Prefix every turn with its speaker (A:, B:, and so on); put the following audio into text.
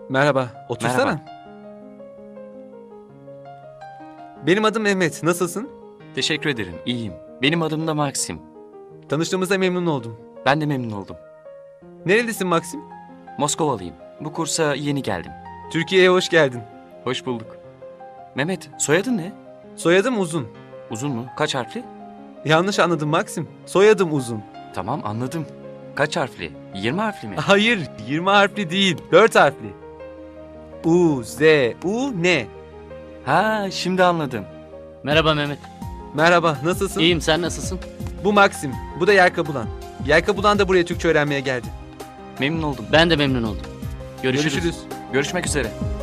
A: Merhaba, otursana.
B: Merhaba.
A: Benim adım Mehmet, nasılsın?
B: Teşekkür ederim. İyiyim. Benim adım da Maxim.
A: Tanıştığımıza memnun oldum.
B: Ben de memnun oldum.
A: Nerelisin Maxim?
B: Moskovalıyım. Bu kursa yeni geldim.
A: Türkiye'ye hoş geldin.
B: Hoş bulduk. Mehmet, soyadın ne?
A: Soyadım Uzun.
B: Uzun mu? Kaç harfli?
A: Yanlış anladın Maxim. Soyadım Uzun.
B: Tamam, anladım. Kaç harfli? 20 harfli mi?
A: Hayır, 20 harfli değil, 4 harfli. U, Z, U, N.
B: Ha, şimdi anladım.
C: Merhaba Mehmet.
A: Merhaba, nasılsın?
C: İyiyim, sen nasılsın?
A: Bu Maxim, bu da Yelkabulan. Yelkabulan da buraya Türkçe öğrenmeye geldi.
B: Memnun oldum.
C: Ben de memnun oldum. Görüşürüz.
A: Görüşürüz.
B: Görüşmek üzere.